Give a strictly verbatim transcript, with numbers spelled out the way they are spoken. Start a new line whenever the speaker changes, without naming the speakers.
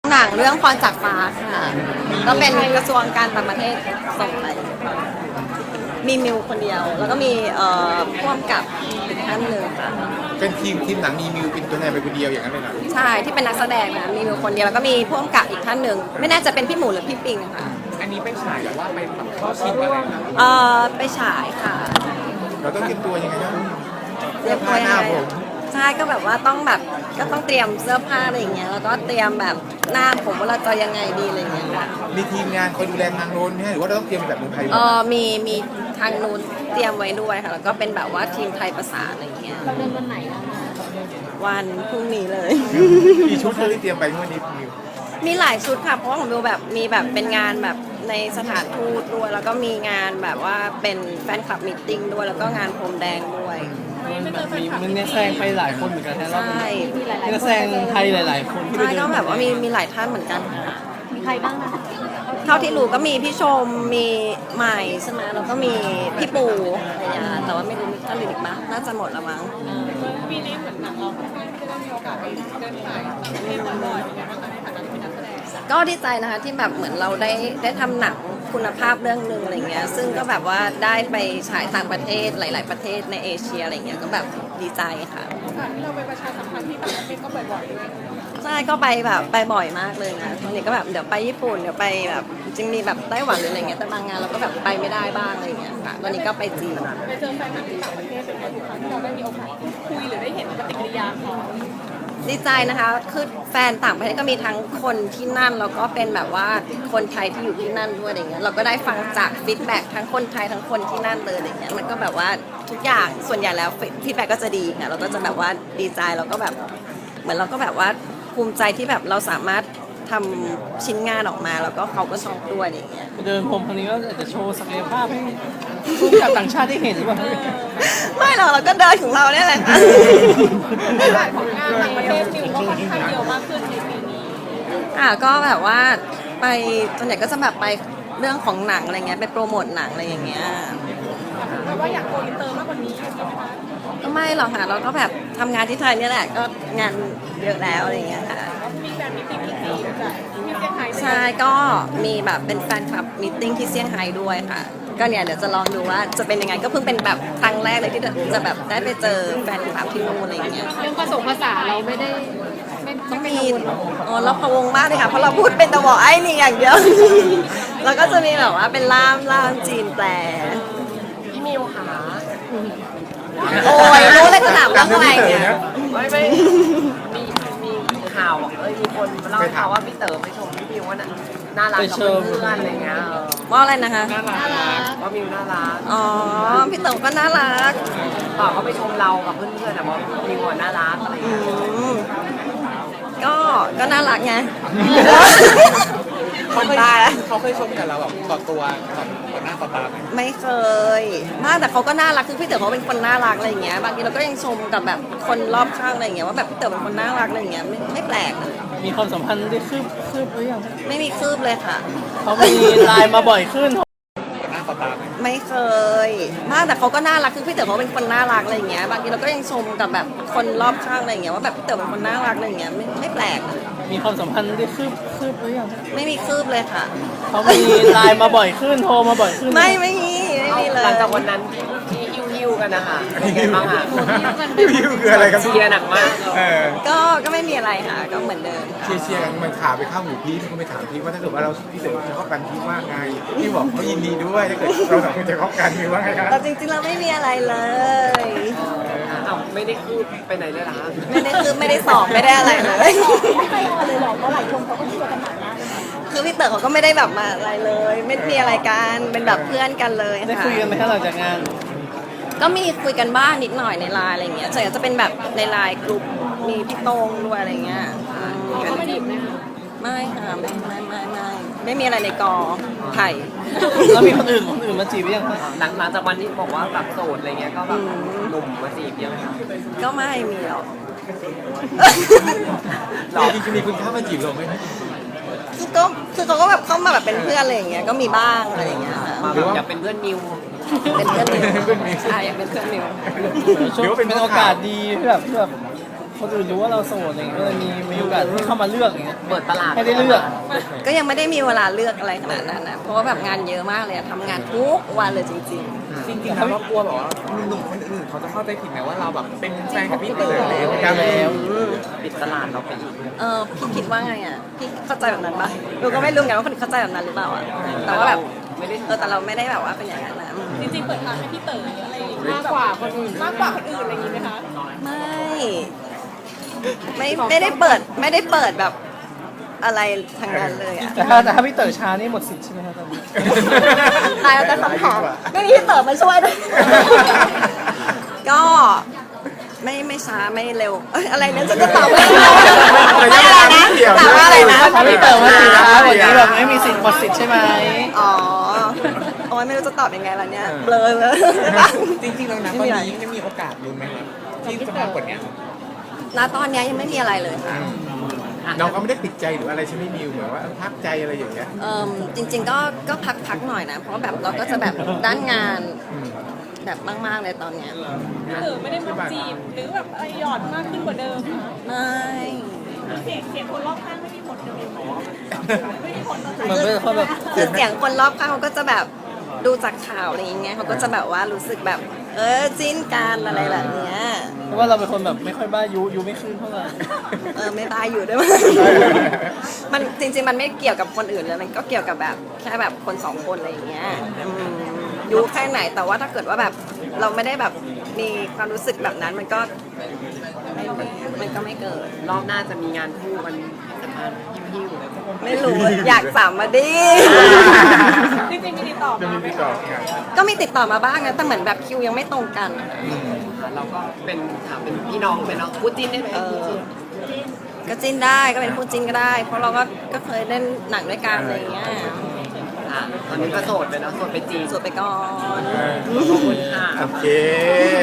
หนังเรื่องพรจากฟ้าค่ะก็เป็นกระทรวงการต่างประเทศส่งไปมีมิวคนเดียว แล้วก็มีเอ่อพ่วงกับอีกท่านหนึ่งค่ะ
เป็นทีมทีมหนังมีมิวเป็นตัวแทนไปคนเดียวอย่างนั้นเลยนะ
ใช่ที่เป็นนักแสดงนะมีมิวคนเดียวแล้วก็มีพ่วงกับอีกท่านหนึ่งไม่แน่จะเป็นพี่หมูหรือพี่ปิงค่ะ
อันนี้ไปฉายหรือว่าไปแบบเข้าชิงอะไรนะ
เอ่อไปฉายค่ะ
เราต้องเตรียมตัวยังไงครับ
เตรียมตัวยังไงใช่ก็แบบว่าต้องแบบก็ต้องเตรียมเสื้อผ้าอะไรอย่างเงี้ยแล้วก็เตรียมแบบหน้าผมว่าเราจะยังไงดีอะไรอย่างเงี้ยค่ะ
มีทีมงานคอยดูแลทางโน้นไหมหรือว่าเราต้องเตรียมแบบเมืองไทย
เออมีมีทางนู้นเตรียมไว้ด้วยค่ะแล้วก็เป็นแบบว่าทีมไทยประสานอะไรอย่างเงี้ย
เราเดินวันไหนนะ
วันพรุ่งนี้เลย
มีชุดที่เตรียมไปเมื่อนี้มิว
มีหลายชุดค่ะเพราะว่าของมิวแบบมีแบบเป็นงานแบบในสถานทูตด้วยแล้วก็มีงานแบบว่าเป็นแฟนคลับมีตติ้งด้วยแล้วก็งานพรมแดงด้วย
มันแบบมีมันเนี่ยแซงไปหลายคนเหมือนกันนะรอบนี้
มี
แซงไทยหลายๆคน
ใช่ก็แบบว่ามีมีหลายท่านเหมือนกันค่ะ
มีใครบ้างนะ
เท่าที่รู้ก็มีพี่ชมมีใหม่ใช่ไหมแล้วก็มีพี่ปูอะไรอย่างเงี้ยแต่ว่าไม่รู้มีท่านอื่นอีกมั้ยน่าจะหมดแล้วมั้ง
ปีนี้เหมือนหนังเราค่อนข้างจะได้มีโอกาสไปเดินสายต่างประเทศบ่อยๆในฐานะที่เป็นนักแสดง
ก็ดีใจนะคะที่แบบเหมือนเราได้ได้ทำหนังคุณภาพเรื่องหนึ่งอะไรเงี้ยซึ่งก็แบบว่าได้ไปฉายต่างประเทศหลาย ๆ ประเทศในเอเชียอะไรเงี้ยก็แบบดีใจค่ะ
ค่ะที่เราไปประชาสัมพันธ์ที่ต่างประเทศก็บ่อยๆด้วย
ใช่ก็ไปแบบไปบ่อยมากเลยนะตอนนี้ก็แบบเดี๋ยวไปญี่ปุ่นเดี๋ยวไปแบบจริงมีแบบไต้หวันหรืออะไรเงี้ยแต่บางงานเราก็แบบไปไม่ได้บ้างอะไรเงี้ยค่ะตอนนี้ก็ไปจีน
ไปเจอแฟนหนังที่ต่างประเทศเป็นไงทุกครั้งที่เราได้มีโอกาสคุยหรือได้เห็นปฏิกิริยาเขา
ดีใจนะคะคือแฟนต่างประเทศก็มีทั้งคนที่นั่นแล้วก็เป็นแบบว่าคนไทยที่อยู่ที่นั่นด้วยอะไรเงี้ยเราก็ได้ฟังจากฟีดแบ็กทั้งคนไทยทั้งคนที่นั่นเลยอะไรเงี้ยมันก็แบบว่าทุกอย่างส่วนใหญ่แล้วฟีดแบ็กก็จะดีค่ะเราก็จะแบบว่าดีใจเราก็แบบเหมือนเราก็แบบว่าภูมิใจที่แบบเราสามารถทำชิ้นงานออกมาแล้วก็เขาก็ชอบด้วยอย่างเงี้ย
เดินผมครั้งนี้ก็อาจจะโชว์ศักยภาพให้ผู้กับต่างชาติได้เห็นหรือเปล่า
ไม่หรอกเราก็เดินของเราเนี่ยแหละค่ะ
หลายผลงานต่างประเทศมิวก็ค่อนข้างเยอะมากขึ้นในปีนี้
อ่ะก็แบบว่าไปส่วนใหญ่ก็จะแบบไปเรื่องของหนังอะไรเงี้ยไปโปรโมทหนังอะไรอย่างเงี้ย
แปลว่าอยากโกอินเตอร์มากกว่านี้ใช่ไหมคะ
ก็ไม่หรอกค่ะเราก็แบบทำงานที่ไทยนี่แหละก็งานเยอะแล้วอะไรเงี้ยค่ะ
มีแบบมิติ้งที่จีนกับที่เซี่ยงไฮ้
ใช่ก็มีแบบเป็นแฟนคลับมีตติ้งที่เซี่ยงไฮ้ด้วยค่ะก็เนี่ยเดี๋ยวจะลองดูว่าจะเป็นยังไงก็เพิ่งเป็นแบบครั้งแรกเลยที่จะแบบได้ไปเจอแฟนคลับที่นู่นอะไรเงี้ย
เรื่องผสมภาษาเราไม่ได้
ต้องมีอ๋อเราพะวงมากเลยค่ะเพราะเราพูดเป็นตะวอไอ้นี่อย่างเดียวแล้วก็จะมีแบบว่าเป็นล่ามล่ามจีนแปล
พี่มิวค่ะ
โอ้ยรู้เลยจะถามเรื่องอะไรเนี่ย
ไม่ไม่มีมีข่าวเอ้ยมีคนเล่าข่าวว่าพี่เต๋อไปชมพี่มิวว่าน่ารักกับเพื่อนอะไรเงี้ย
ว่าอะไรนะคะ
น่ารักว่ามิวน่ารัก
อ๋อพี่เต๋อก็น่ารัก
ต่อเขาไปชมเรากับเพื่อนๆแต่ว่ามิวน่ารักอะไรเงี้ย
ก็ก็น่ารักไง
เขาเคยเขาเคยชมกับเราแบบต่อตัวต่อหน้าต่อตาไหม
ไม่เคยมากแต่เขาก็น่ารักคือพี่เต๋อเขาเป็นคนน่ารักอะไรอย่างเงี้ยบางทีเราก็ยังชมกับแบบคนรอบข้างอะไรอย่างเงี้ยว่าแบบพี่เต๋อเป็นคนน่ารักอะไรอย่างเงี้ยไม่ไม่แปลก
มีความสัมพันธ์ได้คืบคืบหรือยัง
ไม่มีคืบเลยค่ะ
เขามีไลน์มาบ่อยขึ้น
หน้าต่อตาไหม
ไม่เคยมากแต่เขาก็น่ารักคือพี่เต๋อเขาเป็นคนน่ารักอะไรอย่างเงี้ยบางทีเราก็ยังชมกับแบบคนรอบข้างอะไรอย่างเงี้ยว่าแบบพี่เต๋อเป็นคนน่ารักอะไรอย่างเงี้ยไม่ไม่แปลก
มีความสัมพันธ์ได้คืบคืบหรือยัง
ไม่มีคืบเลยค่ะ
เขามีไลน์มาบ่อยขึ้นโทรมาบ่อยขึ้น
ไม่ไม่มีไม่มีเลย
หลังจากวันนั้นที่ฮิวๆกันนะคะเป็นบ้างค่ะ
ฮิวคืออะไรกัน
เชียร์หนักมาก
ก็ก็ไม่มีอะไรค่ะก็เหมือนเดิม
เชียร์เชียร์กันมันข่าวไปเข้าหูพีทเขาไปถามพีทว่าถ้าเกิดว่าเราพี่เต๋อจะเข้ากันพีทว่าไงพี่บอกเขายินดีด้วยถ้าเกิดเราสองคนจะเข้ากันพีทว่าไงครับ
แต่จริงๆเราไม่มีอะไรเลย
อ้าวไม่ได้คืบไปไหนเลยเหรอคะ
ไม่ได้คืบไม่ได้สอบไม่ได้อะไรเลย
ไม่เคยออนเลยหรอกเพราะหลายชมเขาก็เชียร์กันหนักมาก
คือพี่เต๋อเขาก็ไม่ได้แบบมาอะไรเลยไม่มีอะไรกันเป็นแบบเพื่อนกันเลย
ได้คุยกันไหมคะหลังจากงาน
ก็มีคุยกันบ้างนิดหน่อยในไลน์อะไรเงี้ยส่วนใหญ่จะเป็นแบบในไลน์กลุ่มมีพี่โต้งด้วยอะไรเงี้ย
เขาไม่จีบนะคะ
ไม่ค่ะไม่ไม่ไม่ไม่ไม่มีอะไรในกอไผ่
แล้วมีคนอื่นคนอื่นมาจีบยังคะ
หลังหลังจากวันที่บอกว่าแบบโสดอะไรเงี้ยก็แบบหนุ่มมาจีบเยอะไหมคะ
ก็ไม่มีหรอก
จริงๆมีคุณเข้ามาจีบเราไหม
คือก็คือเขาก็แบบเข้ามาแบบเป็นเพื่อนอะไรอย่างเงี้ยก็มีบ้างอะไรอย่างเงี้ย
มาแบบอยากเป็นเพื่อนมิว
เป็นเพื่อนมิวใช่อยากเป็นเพื่อนมิว
หรือว่าเป็นโอกาสดีที่แบบแบบคนอื่นรู้ว่าเราโสดอะไรเงี้ยก็เลยมีมีโอกาสให้เข้ามาเลือกอย่างเงี้ย
เปิดตลาด
ให้ได้เลือก
ก็ยังไม่ได้มีเวลาเลือกอะไรขนาดนั้นนะเพราะว่าแบบงานเยอะมากเลยอะทำงานทุกวันเลยจริง
จริงๆแล้วเรากลัวแบบว่าหนุ่มๆคนอื่นเขาจะเข้าใจผิดไหมว่าเราแบบเป็นแฟนกับพี่เต๋ออะไรอย่างเงี้ย
แล้ว
ปิดตลาดเราไปอีก
ๆ เออพี่คิดว่าไงอ่ะพี่เข้าใจแบบนั้นปะเราก็ไม่รู้เหมือนกันว่าคนอื่นเข้าใจแบบนั้นหรือเปล่าอ่ะแต่ว่าแบบเออแต่เราไม่ได้แบบว่าเป็นอย่างนั้นนะ
จริงๆเปิดทางให้พี่เต๋ออะไรอย่างงี้มากกว่าคนอื่นมากกว่าคนอื่นอะไรอย่างงี้ไหมคะ
ไม่ไม่ไม่ได้เปิดไม่ได้เปิดแบบอะไรทางนั้นเลยอ่ะ
แต่ถ้าแต่ถ้าพี่เต๋อช้านี่หมดสิทธิ์ใช่ไหมครับตอนนี้
ตายแล้วแต่คำถามไม่มีพี่เต๋อมาช่วยด้วย ก็ไม่ไม่ช้าไม่เร็วเอ้ยอะไรนะจะจะตอบว่าอะไรนะถามว่าอะไรนะ
ถ้าพี่เต๋อมาสิช้าหมดนี้แบบไม่มีสิทธิ์หมดสิทธิ์ใช่ไหม
อ๋อโอ้ยไม่รู้จะตอบยังไงล่ะเนี่ยเบลอเลย
จริงๆแล้วนะตอนนี้ยังมีโอกาสลุ้นไหมครับที่จะมากกว่านี้
ณตอนเนี้ยยังไม่มีอะไรเลยค่ะ
น้องก็ไม่ได้ติดใจหรืออะไรใช่ไหมมิวเหมือนว่าเออพักใจอะไรอย่างเงี้ย
เออจริง ๆ ก็ก็พักพักหน่อยนะ เพราะว่าแบบเราก็จะแบบด้านงานแบบมากๆเลยตอนเนี้ย
พี่เต๋อไม่ได้มาจีบหรือแบบอะไรหยอดมากขึ้นกว่าเดิมนะ
ไม่
เสียงเสียงคนรอบข้างไม่มีผลกับเราไม่มีผลต่อใจ
มันเป็นคนแบบ
คือเสียงคนรอบข้างเขาก็จะแบบดูจากข่าวอะไรอย่างเงี้ยเขาก็จะแบบว่ารู้สึกแบบ เออจิ้นกันอะไรแบบเนี้ย
เพราะว่าเราเป็นคนแบบไม่ค่อยบ้ายุยุไม่ขึ้นเท่าไหร่
เออไม่ตายอยู่ด้วยมั้ยมันจริงๆมันไม่เกี่ยวกับคนอื่นเลยมันก็เกี่ยวกับแบบแค่แบบคนสองคนอะไรอย่างเงี้ยอืมอยู่แค่ไหนแต่ว่าถ้าเกิดว่าแบบเราไม่ได้แบบมีความรู้สึกแบบนั้นมันก็ไม่มันก็ไม่เกิด
รอบหน้าจะมีงานคู่กันสัมภาษณ์หิ้วๆเลย
ไม่รู้อยากสามมาดิ
จริงๆมีติดต่อ
จะ
มา
มี
ไหม
ติดต่อ
คะ
กัน
ก็มีติดต่อมาบ้างนะแต่เหมือนแบบคิวยังไม่ตรงกัน
เราก็เป็นถามเป็นพี่น้องเป็นน้องคู่จิ้นได้ไหม
เอ
คู่
อ
จิ้น
ก็จิ้นได้ก็เป็นคู่จิ้นก็ได้ เพราะเราก็ก็เคยเล่นหนังด้วยกันอะไรอย่างเงี้ย
ค่ะตอนนี้ก็โสดไปเนาะโสดไปจีน
สวดไปก่อน
ขอบคุณค่ะ
โอเค